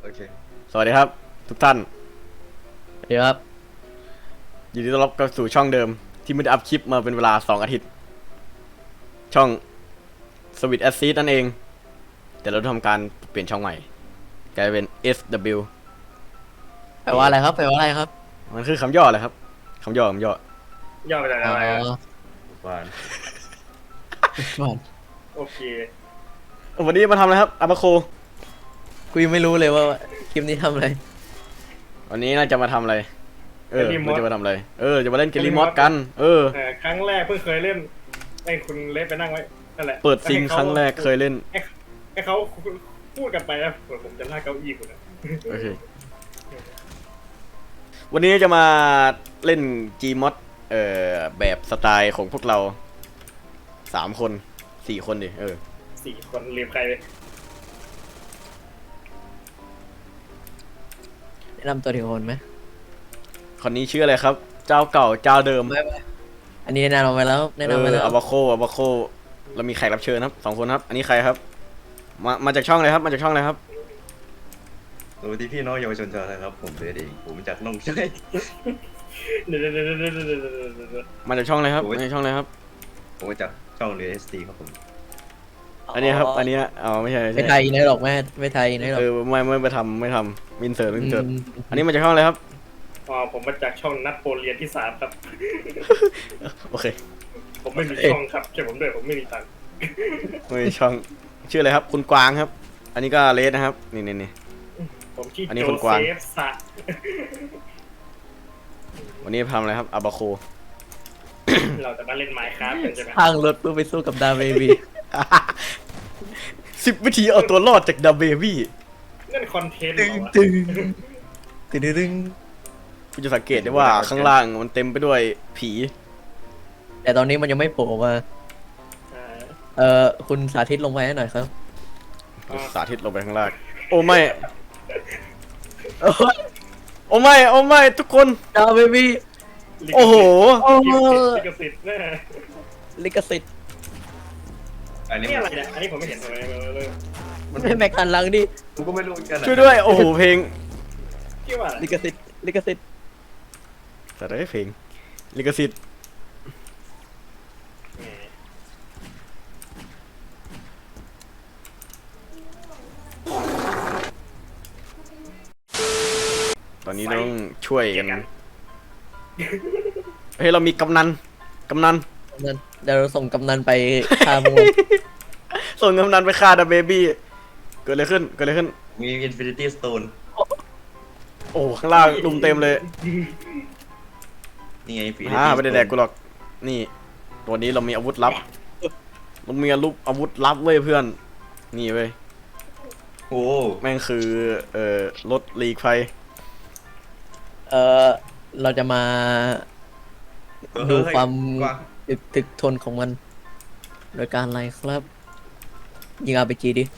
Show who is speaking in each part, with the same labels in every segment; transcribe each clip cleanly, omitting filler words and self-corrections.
Speaker 1: เค
Speaker 2: สวัสดีครับทุกท่าน
Speaker 3: สวัสดีครับ
Speaker 2: ยินดีต้อนรับเข้าสู่ช่องเดิมที่ไม่ได้อัพคลิปมาเป็นเวลา2 อาทิตย์ช่อง Sweet Acid นั่นเองแต่เราทำการเปลี่ยนช่องใหม่กลายเป็น SW
Speaker 3: แปลว่าอะไรครับแปลว่าอะไรครับ
Speaker 2: มันคือคำย่อเลยครับคำย่อย่
Speaker 4: อมาจากอะไรอะ
Speaker 1: หวาน
Speaker 3: ก่อน
Speaker 4: โอเค
Speaker 2: วันนี้มาทำอะไรครับอาบาโค
Speaker 3: กูยังไม่รู้เลยว่าคลิปนี้ทำอะไร
Speaker 2: วันนี้น่าจะมาทำอะไรเราจะมาทำอะไรจะมาเล่นเกมรีมอดกัน
Speaker 4: ครั้งแรกเพิ่งเคยเล่นไอ้คุณเล่นไปนั่งไว้นั่นแหละ
Speaker 2: เปิดซิงครั้งแรกเคยเล่น
Speaker 4: ให้เขาพูดกันไปนะผมจะลากเก้าอี้คุณนะ
Speaker 2: โอเควันนี้จะมาเล่น Gmod แบบสไตล์ของพวกเรา3 คน4 คนดิ
Speaker 4: 4 คนลืมใครไป
Speaker 3: แนะนำตัวทีละคนไหม
Speaker 2: คนนี้ชื่ออะไรครับ เจ้าเก่าเจ้าเดิม
Speaker 3: ไม่อันนี้แนะนำไปแล้วแนะนำไปแล้ว
Speaker 2: อาบาโคเรามีแขกรับเชิญครับ2 คนครับ อันนี้ใครครับมาจากช่องอะไรครับมาจากช่องอะไรครับ
Speaker 1: สวัสดีพี่น้องเยาวชนชาวไทยครับผมเบสเองผมจากน้องชาย
Speaker 4: เดี๋ยว
Speaker 2: มาจากช่องอะไรครับมาจากช่องอะไรครับ
Speaker 1: ผมมาจากช่องเรสตีครับผม
Speaker 2: อันนี้ครับอันนี้ไม่ใช่
Speaker 3: ไม่ไทยนะหรอกไม่ไทยนะหรอก
Speaker 2: ไม่ไปทำมินเสิร์ตอันนี้มาจากช่องอะไรครับ
Speaker 4: ผมมาจากช่องนัดโปเลียนที่3ครับ
Speaker 2: โอเค
Speaker 4: ผมไม่มีช่องครับใช่ผมด้วยผมไม่มีตังค์
Speaker 2: ไม่ช่องชื่ออะไรครับคุณกวางครับ อันนี้ก็เลสนะครับนี่
Speaker 4: ผมชื่อ
Speaker 2: อันนี้
Speaker 4: โจ
Speaker 2: คุณกวาง
Speaker 4: เซฟสะ
Speaker 2: วันนี้ทำอะไรครับอาบาโค
Speaker 4: เราจะมาเล่นไมค์ครับกันใช่ไหม
Speaker 3: ข้างรถเพื่อไปสู้กับดาเบบี
Speaker 2: 10 วิธีเอาตัวรอดจากดับเบบี้
Speaker 4: นั่นคอนเทนต์เหรอวะ
Speaker 3: ตึงตึง
Speaker 2: คุณจะสังเกตได้ว่าข้างล่างมันเต็มไปด้วยผี
Speaker 3: แต่ตอนนี้มันยังไม่โผล่มา
Speaker 4: อ่า
Speaker 3: คุณสาธิตลงไปให้หน่อยครับ
Speaker 2: สาธิตลงไปข้างล่างโอ้ไม่โอ้ไม่ทุกคน
Speaker 3: ดาเบบี
Speaker 2: โอ้โห
Speaker 4: ลิขสิทธิ์แน่
Speaker 3: ลิขสิทธิ์
Speaker 1: อันนี้
Speaker 4: นี่อะไรเนี่ยอันนี้ผมไม่เห็นเลย
Speaker 3: มันไม่แม็กคันลังดิ
Speaker 1: ผมก็ไม่รู้เหมือนกัน
Speaker 2: ช่วยด้วยโอ้โหเพลง
Speaker 4: ที่ว่าอะไร
Speaker 3: ลิขสิทธิ์ลิขสิทธิ์
Speaker 2: แต่ได้เพลงลิขสิทธิ์ตอนนี้ต้องช่วยกันเฮ้ยเรามีกำนัน
Speaker 3: นั่นเดี๋ยวเราส่งกำนันไปฆ่ามึง
Speaker 2: ส่งกำนันไปฆ่าดับเบบี้เกิดอะไรขึ้น
Speaker 1: มีอินฟินิตี้สโตน
Speaker 2: โอ้ข้างล่างลุมเต็มเลย
Speaker 1: นี่ไงฟินิ
Speaker 2: ไม่ได้แดกกูหรอกนี่ตัวนี้เรามีอาวุธลับเรามีอาวุธลับเว้ยเพื่อนนี่เว้ย
Speaker 1: โอ้
Speaker 2: แม่งคือรถลีกไฟ
Speaker 3: เราจะมาดูความ
Speaker 1: กว้าง
Speaker 3: ถึกทนของมัน โดยการอะไรครับ ยิงอาร์พีจีดิ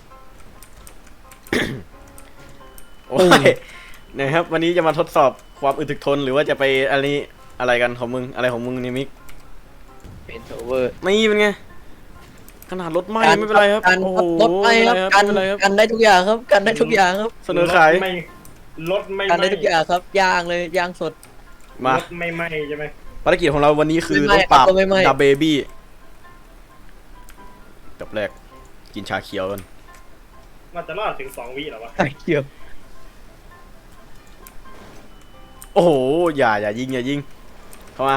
Speaker 2: โอ้ยนะครับวันนี้จะมาทดสอบความอึดถึกทนหรือว่าจะไปอะไรกันของมึงอะไรของมึงนี่มิก
Speaker 3: เป็นโอเวอร์
Speaker 2: ไม่เป็นไงขนาดรถไหม้ไม่เป็นไรครับ
Speaker 3: การ
Speaker 2: โอ้โห
Speaker 3: รถไม่ครับกัน
Speaker 2: ไม่เป็นไรครับ
Speaker 3: กันได้ทุกอย่างครับ กันได้ทุกอย่างครับ
Speaker 2: เสนอขาย
Speaker 4: รถไม่
Speaker 3: กันได้ทุกอย่างครับย่างเลยย่างสด
Speaker 2: มาร
Speaker 4: ถไม่ไหม้ใช่ไหม
Speaker 2: ภารกิจของเราวันนี้คือ
Speaker 3: ไม่
Speaker 2: ต้องปราบ
Speaker 3: ไม่ไม่
Speaker 2: ดับเบบี้ดับแรกกินชาเขียวกัน
Speaker 4: มันจะรอดถึง2 วิเหรอวะ
Speaker 3: ไอ้เหี้ย
Speaker 2: โอ้โหอย่ายิงเข้ามา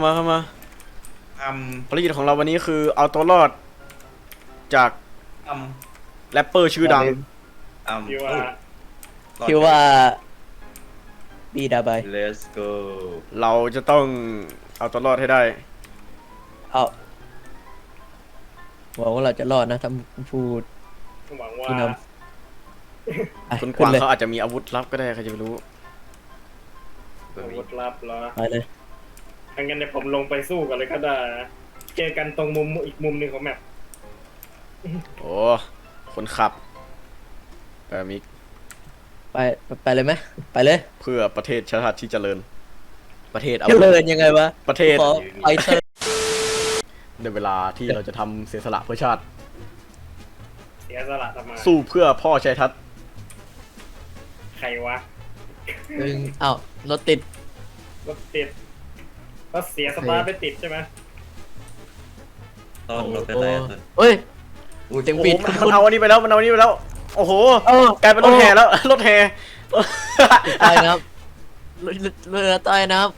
Speaker 2: ภารกิจของเราวันนี้คือเอาตัวรอดจาก
Speaker 1: อัม
Speaker 2: แรปเปอร์ชื่อดัง
Speaker 1: อัม
Speaker 4: ที่ว่า
Speaker 3: บีดาบาย
Speaker 1: let's go
Speaker 2: เราจะต้องเอาตัวรอดให้ได้
Speaker 3: เอาหวังว่าเราจะรอดนะท่านพูด
Speaker 4: หวังว่า
Speaker 3: พี่นำไป
Speaker 2: คุณก
Speaker 3: ขึ้น
Speaker 2: วาง
Speaker 3: เลย
Speaker 2: เขาอาจจะมีอาวุธลับก็ได้ใครจะไปรู้
Speaker 4: อาวุธลับเหรอ
Speaker 3: ไปเลย
Speaker 4: งั้นเดี๋ยวผมลงไปสู้กันเลยก็ได้นะเจอกันตรงมุมอีกมุมหนึ่งของแมป
Speaker 2: โอ้คนขับมิก
Speaker 3: ไปเลยไหมไปเลย
Speaker 2: เพื่อประเทศชาติที่เจริญ ประเทศอา
Speaker 3: เจ
Speaker 2: วุธ
Speaker 3: ริญยังไงวะ
Speaker 2: ประเทศ
Speaker 3: ขอไฟเตอร์
Speaker 2: ในเวลาที่เราจะทำเสียสละเพื่อชาติ
Speaker 4: เสียสละทำไม
Speaker 2: สู้เพื่อพ่อชัยทัศน์
Speaker 4: รวะ
Speaker 3: อ้าวรถติด
Speaker 4: รถติดรถเสียสตาร์ทไปติดใช่ไหม
Speaker 1: ตอนรถเป็นไรอะ
Speaker 3: เฮ้ย
Speaker 1: อุ้ย
Speaker 3: เสียง
Speaker 2: โอ้
Speaker 3: ปิ
Speaker 2: โห
Speaker 3: ด
Speaker 2: มันเอาอันนี้ไปแล้วมันเอาอันนี้ไปแล้ว โอ้โห
Speaker 3: เออก
Speaker 2: ลายเป็นรถแห่แล้ว รถแห่
Speaker 3: ใต้น้ำเรือใต้น้ำ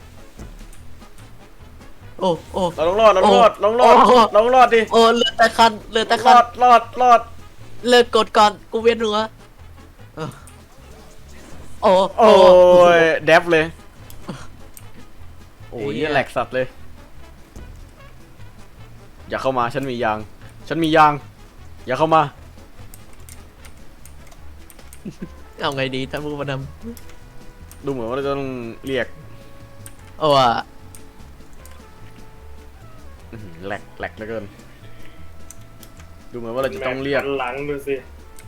Speaker 3: โอ้โอ้
Speaker 2: เราต้องรอดเราต้องรอดเราต้องรอด
Speaker 3: โอ้โห
Speaker 2: เราต้องรอดดิ
Speaker 3: โอ้เรือแต่คันเรือแต่
Speaker 2: ร
Speaker 3: คั
Speaker 2: อน ดรอดรอด
Speaker 3: เลิกกดก่อนกูเวียนหัวเออโอ้
Speaker 2: โอ้ยแดบเลย โอ้ยเนี่ยแหลกสัตว์เลย อย่าเข้ามาฉันมียาง ฉันมียาง อย่าเข้ามา
Speaker 3: เอาไงดีท่านผู้น
Speaker 2: ดูเหมือนว่าเราจะต้องเรียก
Speaker 3: ำโอ้อะ
Speaker 2: อื้อหือแหลกแหลกเหลือเกิน ดูเหมือนว่าเราจะต้องเรียก
Speaker 4: หลังดูสิ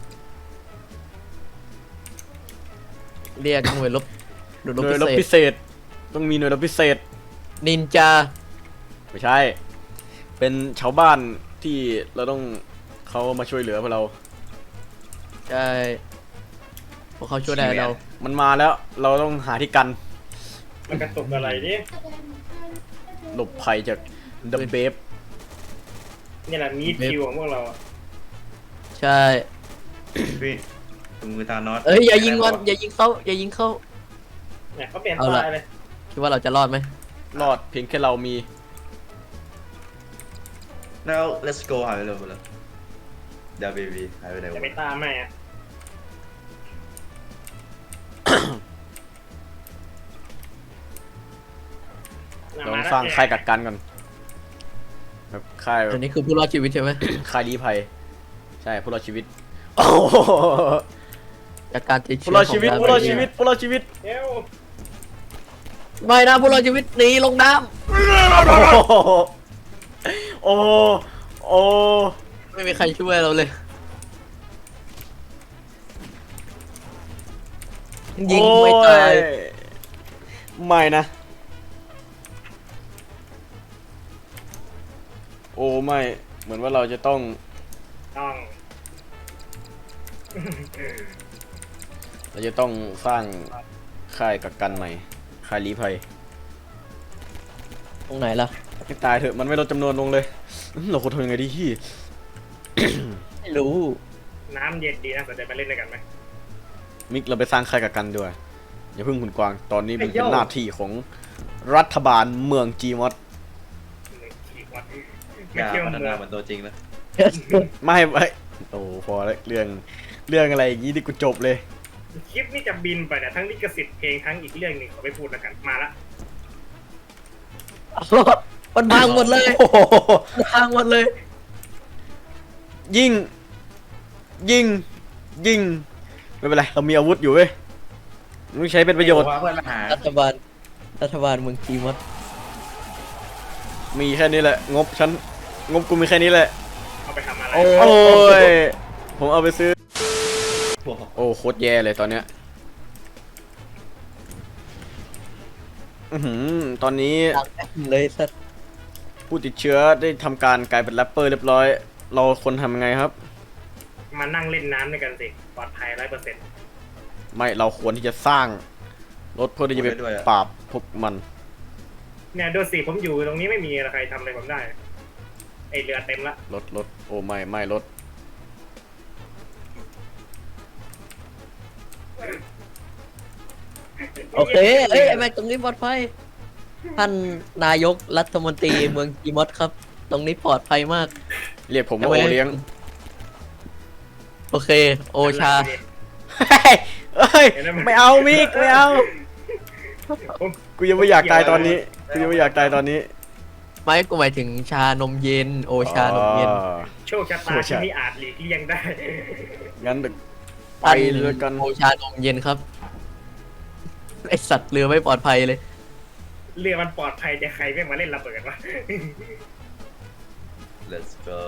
Speaker 3: เรียกหน่วยรบ
Speaker 2: หน่วยรบ
Speaker 3: พิ
Speaker 2: พิ
Speaker 3: เศษ
Speaker 2: เศษ ต้องมีหน่วยรบพิเศษ
Speaker 3: นินจา
Speaker 2: ไม่ใช่ เป็นชาวบ้านที่เราต้องเขามาช่วยเหลือพวกเรา
Speaker 3: ใช่พวกเขาช่วยได้เรา
Speaker 2: มันมาแล้ว เราต้องหาที่กัน
Speaker 4: มันกระตุกอะไรนี่
Speaker 2: หลบภัยจากดับเบฟ
Speaker 4: นี่แหละมีดคิวของพวกเราอะ
Speaker 3: ใช่
Speaker 1: พี่ถุงมือทานอส
Speaker 3: เอ้ยอย่ายิงมันอย่ายิงเขาอย่ายิงเขา
Speaker 4: เนี่ยเขาเปลี่ยน
Speaker 3: เอา
Speaker 4: ตา
Speaker 3: ละ
Speaker 4: ยเลย
Speaker 3: คิดว่าเราจะรอดไหม
Speaker 2: รอดเพียงแค่เรามี
Speaker 1: แล้ว let's go หายไปเลยหมดแล้วดาเบบีหายไปไหน
Speaker 4: จะ
Speaker 1: วะ
Speaker 4: ไปตามแม่อะ
Speaker 2: เราต้องสร้างค่ายกักกันก่อนแบบค่ายแบ
Speaker 3: อั
Speaker 2: บ
Speaker 3: นนี้คือผู้รอดชีวิตใช่ไหม
Speaker 2: ค่ายลี้ภัย ใช่ผู้รอดชีวิต โอ้โห
Speaker 3: จากการติดเชื้
Speaker 2: ผู้รอดชีวิต
Speaker 3: ขง
Speaker 2: ผู้รอดชีวิตผู้รอดชีวิต
Speaker 4: เอ้ว
Speaker 3: ไม่นะผู้รอดชีวิตหนีลงน้
Speaker 2: โอ้โหโอ้โห
Speaker 3: ำไม่มีใครช่วยเราเลย ยิงไม่ตาย
Speaker 2: โอ้ไม่นะ โอ้ไม่ เหมือนว่าเราจะต้อง
Speaker 4: ต้อง
Speaker 2: เราจะต้องสร้างค่ายกักกันใหม่ ค่ายลี้ภัย
Speaker 3: ตรงไหนล่ะ
Speaker 2: ให้ตายเถอะ มันไม่ลดจำนวนลงเลย เราควรทำยังไงดีพี่
Speaker 3: ไม่รู้
Speaker 4: น้ำเย็นดีนะสนใจมาเล่นด้วยกันไหม
Speaker 2: มิกเราไปสร้างค่ายกักกันด้วย อย่าเพิ่งหุ่นกวาง ตอนนี้มันเป็นหน้าที่ของรัฐบาลเมืองจีมอส
Speaker 4: ขี่วัด
Speaker 1: อ
Speaker 4: ไม่
Speaker 1: ย่า
Speaker 4: เที่ยว
Speaker 1: พัฒ
Speaker 4: เมื
Speaker 1: นา
Speaker 4: อง
Speaker 1: เหมือนตัวจริงนะ
Speaker 2: ไม่โอ้พอแล้วเรื่องอะไรอย่างงี้ที่กูจบเลย
Speaker 4: คลิปนี้จะบินไปเนี่ยทั้งลิขสิทธิ์เพลงทั้งอีกเรื่องหนึ่งขอไม่พูดแล้วกันมาละ
Speaker 3: มันพังหมดเลย
Speaker 2: โอ้โห
Speaker 3: มันพังหมดเลย
Speaker 2: ยิง ยิง ยิง ไม่เป็นไร เรามีอาวุธอยู่เว้ยต้องใช้เป็นประโยชน์
Speaker 1: ว่าเพื่อนมาหา
Speaker 3: รัฐบาลเมืองจีมอส
Speaker 2: มีแค่นี้แหละ งบฉัน งบกูมีแค่นี้แหละ
Speaker 4: เอาไปทำอะไร
Speaker 3: โอ้
Speaker 2: โอ้ย ผมเอาไปซื้อ
Speaker 1: พวก
Speaker 2: โอ้โคตรแย่เลยตอนเนี้ยตอนนี้
Speaker 3: ดังแอปเลยสัตว์
Speaker 2: ผู้ติดเชื้อได้ทำการกลายเป็นแรปเปอร์เรียบร้อย เราควรทำยังไงครับ
Speaker 4: มานั่งเล่นน้ำด้วยกันสิปลอดภัย100%
Speaker 2: ไม่ เราควรที่จะสร้างรถเพื่อที่จะไปปราบพวกมัน
Speaker 4: เนี่ยดูสิผมอยู่ตรงนี้ไม่มีใครทำอะไรผมได้ไอเรือเต็มละ
Speaker 2: รถ โอ้ไม่รถ
Speaker 3: โอเคเอ้ยไอ้แม็กตรงนี้ปลอดภัยท่านนายกรัฐมนตรีเมืองจีมอสครับ ตรงนี้ปลอดภัยมาก
Speaker 2: เรียกผม
Speaker 3: เอา
Speaker 2: ว่า
Speaker 3: ไว้
Speaker 2: โอเลี้ยง
Speaker 3: โอเค โอชา
Speaker 2: เฮ้ย ไม่เอามิกไม่เอา กูยังไม่อยากตายตอนนี้ กูยังไม่อยากตายตอนนี้
Speaker 3: ไม่กูหมายถึงชานมเย็น โอชานมเย็น
Speaker 2: อ๋อ
Speaker 4: โชคชะตาที่ไม่อาจหลีกเลี่ยงได้
Speaker 2: งั้นไป
Speaker 3: ท่าน
Speaker 2: เลยกัน
Speaker 3: โอชานมเย็นครับไอสัตว์เรือไม่ปลอดภัยเลย
Speaker 4: เรือมันปลอดภัยแต่ใครไม่มาเล่นระเบิดวะ
Speaker 1: let's go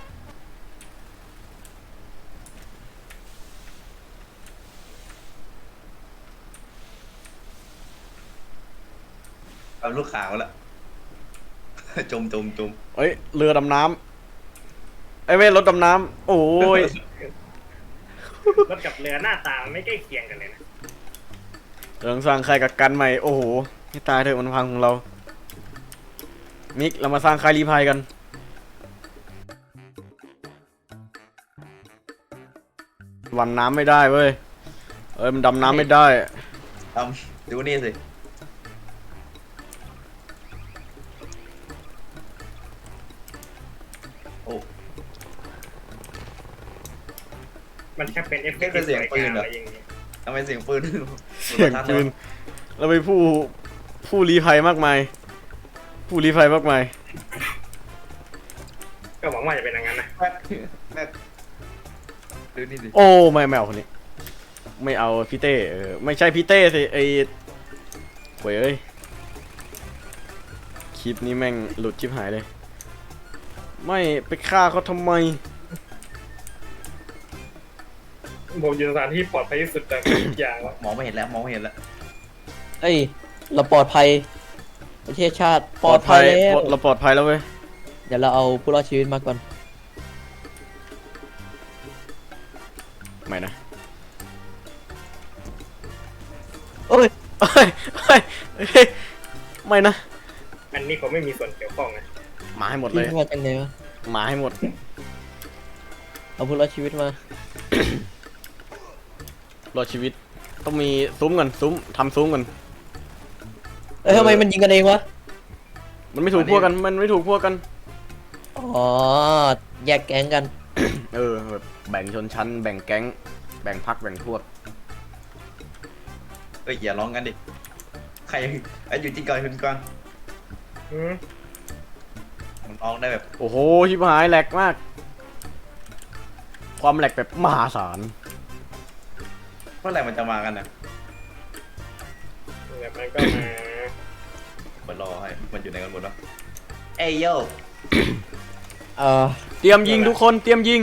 Speaker 1: เอาลูกขาวละ จม
Speaker 2: เอ้ย เรือดำน้ำไอ้เว้ยรถดำน้ำ โอ้ย
Speaker 4: รถกับเรือหน้าตามันไม่ใกล้เคียงกันเลยนะ
Speaker 2: เราต้องสร้างค่ายกักกันใหม่โอ้โหให้ตายเถอะมันพังของเรามิกเรามาสร้างค่ายรีภัยกันวันน้ำไม่ได้เว้ยมันดำน้ำไม่ได้
Speaker 1: ดูนี่สิโอ้
Speaker 4: มันแค่เป็นเอฟเฟกต์
Speaker 1: นี่คือเสียงปืนเหรอ
Speaker 4: อะไรอย่างเงี้ย
Speaker 1: ทำไมเสียงปืน
Speaker 2: เสียงปืนเราไปผู้ลี้ภัยมากมายผู้ลี้ภัยมากมาย
Speaker 4: ก็หวังว่าจะเป็นอย่างนั้นนะ
Speaker 1: แม่ดูนี่สิ
Speaker 2: โอ้ไม่เอาคนนี้ ไม่เอาพี่เต้ไม่ใช่พี่เต้สิไอ้โว้ยเอ้ยคลิปนี้แม่งหลุดชิบหายเลย ไม่ไปฆ่าเขาทำไม
Speaker 4: ผมอยู่สถานที่ปลอดภัยที่สุดจากทุกอย่างแล้ว
Speaker 1: มองไม่เห็นแล้วมองไม่เห็นแล้ว
Speaker 3: เอ้ยเราปลอดภัยประเทศชาติปลอดภัยแล้ว
Speaker 2: เราปลอดภัยแล้วเว้ย
Speaker 3: เดี๋ยวเราเอาผู้รอดชีวิตมาก่อน
Speaker 2: ไม่นะ
Speaker 3: เอ้ย
Speaker 2: เอ้ยเอ้ยเอ้ยไม่นะ
Speaker 4: อันนี้ผมไม่มีส่วนเกี่ยวข้องนะ
Speaker 2: มาให้หมด
Speaker 3: พี่
Speaker 2: เลย
Speaker 3: มาจากไหนวะ
Speaker 2: มาให้หมด
Speaker 3: เอาผู้รอดชีวิตมาร
Speaker 2: อดชีวิตต้องมีซุ้มกันซุ้มทำซุ้มกัน
Speaker 3: เอ้ยทำไมมันยิงกันเองวะ
Speaker 2: มันไม่ถูกพวกกันมันไม่ถูกพวกกัน
Speaker 3: อ๋อแยกแก๊งกัน
Speaker 2: แบบแบ่งชนชั้นแบ่งแก๊งแบ่งพรรคแบ่งพวก
Speaker 1: เอ้ยอย่าร้องกันดิใครไอ้อยู่ที่ก่อนคุณกวาง
Speaker 4: อืม
Speaker 1: มันร้องได้แบบ
Speaker 2: โอ้โหชิบหายแหลกมาก ความแหลกแบบมหาศาล
Speaker 1: เมื่อไหร่มันจะมากันนะ
Speaker 4: แบบนั้นก็มา
Speaker 1: มันรอให้มันอยู่ในกันหมดวะเอ้ยโย
Speaker 2: เตรียมยิงทุกคนเตรียมยิง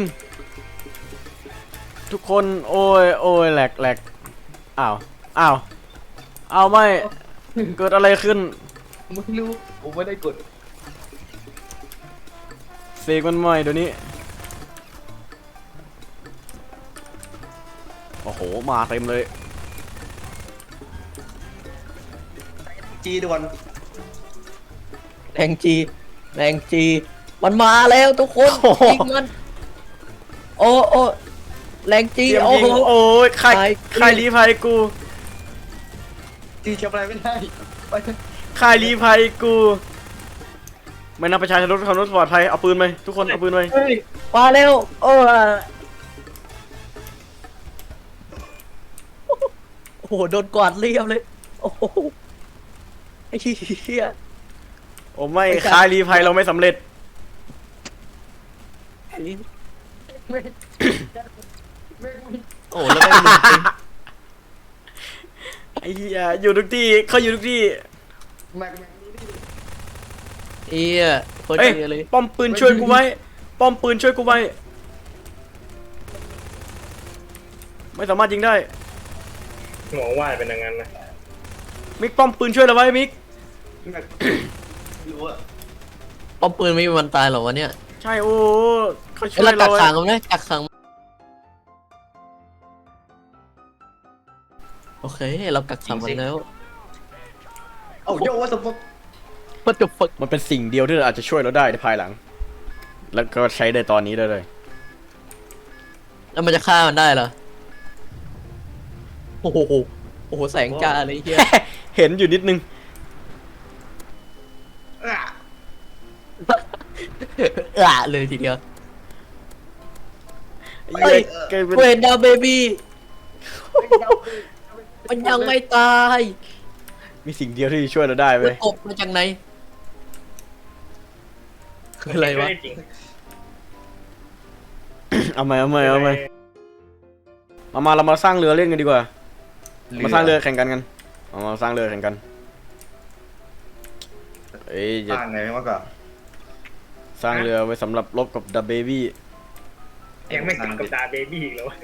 Speaker 2: ทุกคนโอ้ยแหลกอ้าวไม่เกิดอะไรขึ้น
Speaker 1: ไม่รู้ผมไม่ได้กด
Speaker 2: เสกมันใหม่เดี๋ยวนี้โอ้โหมาเต็มเลย
Speaker 1: จีด่วน
Speaker 3: แรงจีมันมาแล้วทุกคน
Speaker 2: โอ้โห
Speaker 3: ยิงมันโอ้แรงจี
Speaker 2: เตรียม
Speaker 3: โอ้
Speaker 2: ยิง
Speaker 3: โห
Speaker 2: โอ้ยใคร
Speaker 3: ตาย
Speaker 2: ใครรีภัยกู
Speaker 1: จีทำอะไรไม่ได้ไปเถอะ
Speaker 2: ใครรีภัยกูไม่นับประชาชนรถขับรถปลอดภัยเอาปืนไหมทุกคนเอาปืนไหม
Speaker 3: เฮ้ยมาแล้วโอ้โหโดนกวาดเรียบเลยโอ้โหไอ้เหี้ย
Speaker 2: โอ้ไม่คายรีภัยเราไม่สำเร็จ
Speaker 3: โอ้แล้วไม่มีจริง
Speaker 2: ไอ้เหี้ยอยู่ทุกที่เขาอยู่ทุกที่
Speaker 3: เหี้ยโคตร
Speaker 2: เอ้ย
Speaker 3: เหี้ยเลย
Speaker 2: ป้อมปืนช่วยกูไว้ป้อมปืนช่วยกูไว้ไม่สามารถยิงได้
Speaker 4: หวังว่าจะเป็นอย่างนั้นนะ
Speaker 2: มิกป้อมปืนช่วยเราไว้มิก
Speaker 1: รู้อะ
Speaker 3: ป้อมปืนไม่มีวันตายหรอวะเนี่ย
Speaker 2: ใช่โอ้เขาช่
Speaker 3: เอ้
Speaker 2: วย ย
Speaker 3: เรากั
Speaker 2: เรา
Speaker 3: ก
Speaker 2: ไว้
Speaker 3: ขังมันนะกักขังโอเคเรากักขังมันแล้ว
Speaker 1: เอ้าโยว่าสมมติ
Speaker 3: What the fuck
Speaker 2: มันเป็นสิ่งเดียวที่อาจจะช่วยเราได้ในภายหลัง แล้วก็ใช้ได้ตอนนี้ได้เลย
Speaker 3: แล้วมันจะฆ่ามันได้เหรอโอ้โหโอ้โหแสงจ้าเลยเฮีย
Speaker 2: เห็นอยู่นิดนึง
Speaker 3: เลยทีเดียว
Speaker 2: ไอ้เหี้ยกลายเป็น
Speaker 3: เวนดาวเบบี้มันยังไม่ตาย
Speaker 2: มีสิ่งเดียวที่ช่วยเราได้
Speaker 3: มั
Speaker 2: เว้
Speaker 3: น
Speaker 2: ย
Speaker 3: ตกมาจากไหนคืออะไรวะ
Speaker 4: ม่ด้จริง
Speaker 2: เอาไหมมาเรามาสร้างเรือเล่นกันดีกว่า มาสร้างเรือแข่งกันมาสร้างเรือแข่งกันเอ้ย
Speaker 1: ส
Speaker 2: จะ
Speaker 1: ร้างไงมากกว่า
Speaker 2: สร้างเรือไว้สำหรับรบกับดับเบบี้
Speaker 4: ยังไม่ถึงกับดาเบบี้อีกแล้ว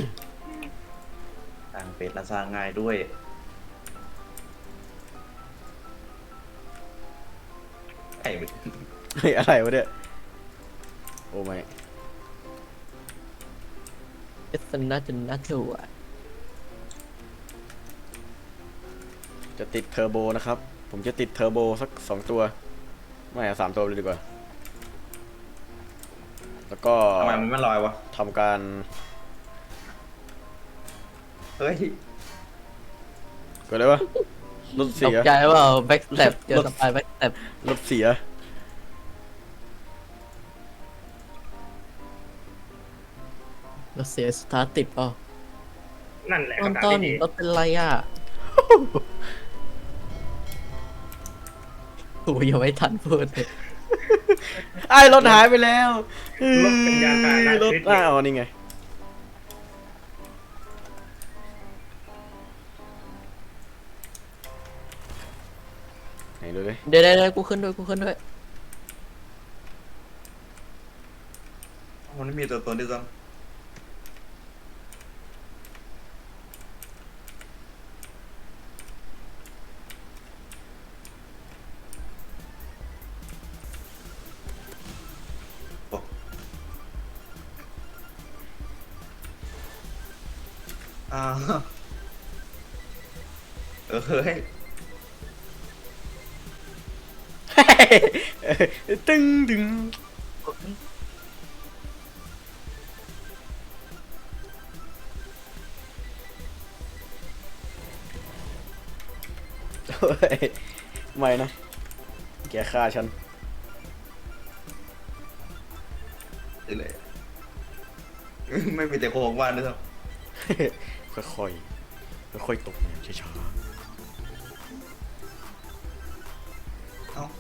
Speaker 1: สร้างเป็ดและสร้างง่ายด้วยไอ้มึง
Speaker 2: เฮ้ยอะไรวะเนี่ยโอ้ไม่
Speaker 3: It's another one
Speaker 2: จะติดเทอร์โบนะครับ ผมจะติดเทอร์โบสัก2ตัว ไม่อะ3ตัวเลยดีกว่า แล้วก็
Speaker 1: ทำไมมันไม่ลอยวะ
Speaker 2: ทำการ
Speaker 1: เฮ้ย
Speaker 2: เกิดอะไรวะรถ
Speaker 3: ต
Speaker 2: เสี
Speaker 3: ก
Speaker 2: ย
Speaker 3: ใจว่าแบ็กสเต็ปเจอสปายแบ็กสเต็ป
Speaker 2: รถเสีย
Speaker 3: เราเสียสตาร์ทติดเปล่า
Speaker 4: นั่นแหละ
Speaker 3: ต้น
Speaker 4: คำถาม
Speaker 3: ต้น
Speaker 4: ที่ดี
Speaker 3: รถเป็นไรอ่ะโอ้ยยังไม่ทันพูดเลย
Speaker 2: ไอ้รถหายไปแล้ว
Speaker 4: รถเป็นยานพาหนะ
Speaker 2: รถ
Speaker 4: ชนิด
Speaker 2: อ้าวนี่ไง ไหนดูดิ
Speaker 3: เดี๋ยวกูขึ้นด้วยกูขึ้นด้วย
Speaker 1: มันไม่มีตัวตนที่ซ้ำโอ้อ้าวเฮ้ย
Speaker 2: ตึงดึงโอ้ยไม่นะ แกฆ่าฉัน
Speaker 1: เลยไม่มีแต่โครงว่านด้วยซ้
Speaker 2: ค่อยๆ ค่อยๆตกอย่างช้า
Speaker 1: ำเอ้า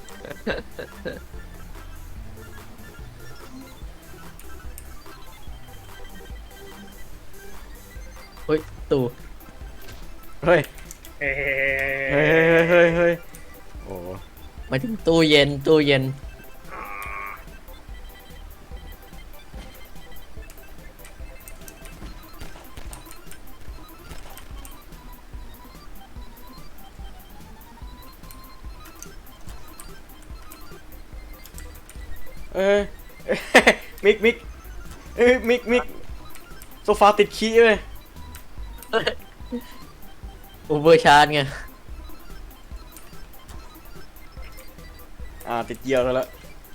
Speaker 3: เฮ้ยตู่
Speaker 2: ๆ เฮ้ย
Speaker 4: เฮ้
Speaker 2: เฮ้ย เฮ้ย เฮ้ย โอ้
Speaker 3: หมายถึงตู้เย็น
Speaker 2: เอ้ย มิกเอ้ยมิกโซฟาติดขี้เลย
Speaker 3: อูเบอร์ชาร์จไง
Speaker 2: ติดเยี่ยวแล้ว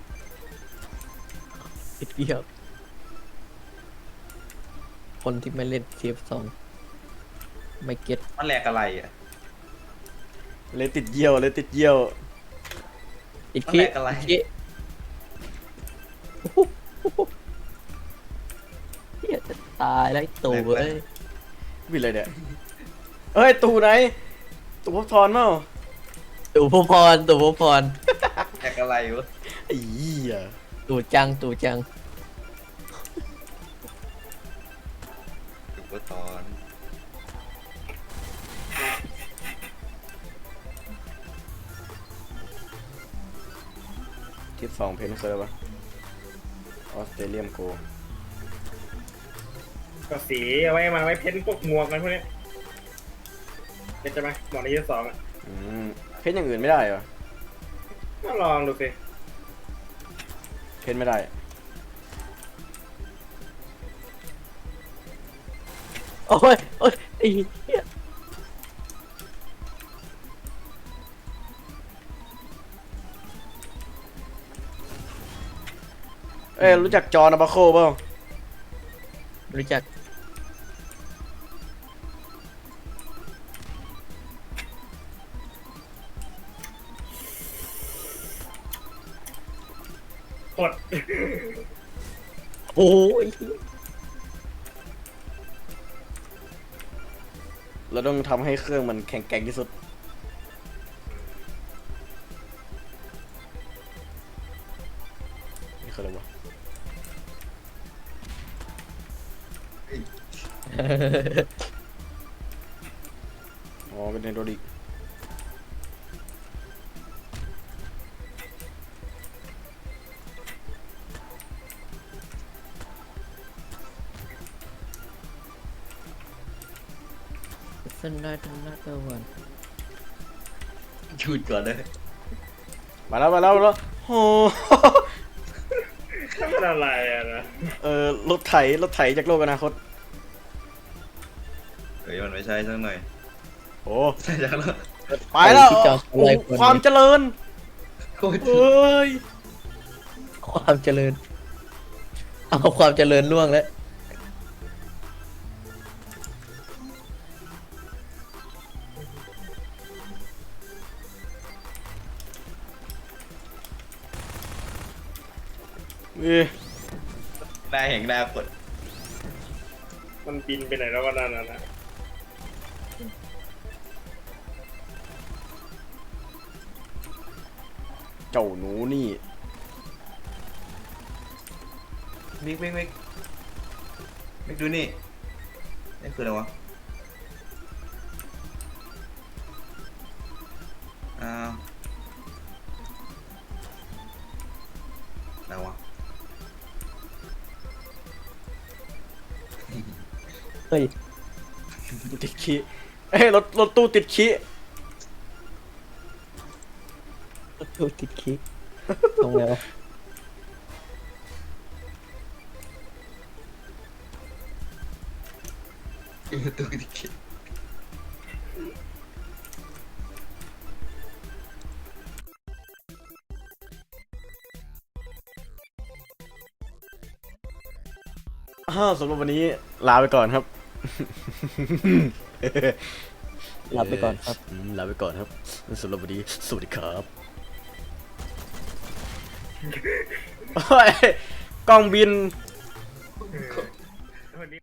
Speaker 3: ติดเดียวคนที่ไม่เล่นเทป2ไม่เก็ต
Speaker 1: มันแหลกอะไรอ่ะ
Speaker 2: เลยติดเยี่ยว
Speaker 3: ติด
Speaker 1: มัน
Speaker 3: ขี้
Speaker 1: แหลกอะไร
Speaker 3: ขี้เฮียจะตายแล้วไอ้ตู่เว้ย
Speaker 2: วิเลยเนี่ยเฮ้ย ตูไหน ตูพบทอนเปล่า
Speaker 3: ตู่พพร
Speaker 1: แหลกอะไรวะ
Speaker 2: ไอ้เหี้ย
Speaker 3: ตู่จัง
Speaker 1: ถูกว่าตอน
Speaker 2: ทิศ2เพนเคยแล้วปะออสเตรเลียมโก
Speaker 4: ก็สีเอาไว้มันเอาไว้เพ้นพวกหมวกกันพวกนี้เป็นจะไหมหมวกในยุค2อ่ะ
Speaker 2: เพนอย่างอื่นไม่ได้เหรอ
Speaker 4: ก็ลองดูสิ
Speaker 2: เพนไม่ได้
Speaker 3: โอ้ยไอ้เหี้ย
Speaker 2: เอ้ย รู้จักจอห์นอาบาโคเปล่า
Speaker 3: รู้จัก
Speaker 4: กด
Speaker 3: โอ้ย
Speaker 2: เราต้องทำให้เครื่องมันแข็งแกร่งที่สุด นี่คืออะไรวะ อ๋อ เป็นไฮดรอลิก
Speaker 3: เป็นanother one
Speaker 1: หยุดก่อนเลย
Speaker 2: มาแล้วโห
Speaker 4: ทำไมอะไรอะนะ
Speaker 2: รถไถจากโลกอนาคต
Speaker 1: เฮ้ยมันไม่ใช่สักหน่อย
Speaker 2: โอ้
Speaker 1: ใช่จังแล้ว
Speaker 2: ไปแล้ว
Speaker 3: ที่จอด
Speaker 2: โอ้โห
Speaker 3: อะไรคน
Speaker 2: ความเจริญ
Speaker 1: โคตร
Speaker 2: เอ้ย
Speaker 3: ความเจริญ เอาความเจริญล่วงแล้ว
Speaker 1: ได้แห่งดาวกด
Speaker 4: มันบินไปไหนแล้วก็นั่นนะ
Speaker 2: เจ้าหนูนี่
Speaker 1: มิกดูนี่นี่คืออะไรวะอ้าวอะไรวะ
Speaker 3: เฮ้ย
Speaker 2: ติดขี้เอ้ยรถตู้ติดขี้
Speaker 3: ดูติดคิกตรงแล้วะ
Speaker 1: ตัวที่คิด
Speaker 2: สำหรับวันนี้ลาไปก่อนครับ
Speaker 3: ลาไปก่อนครับ
Speaker 2: ลาไปก่อนครับสำหรับวันนี้สวัสดีครับโอ้ยกล้องบิน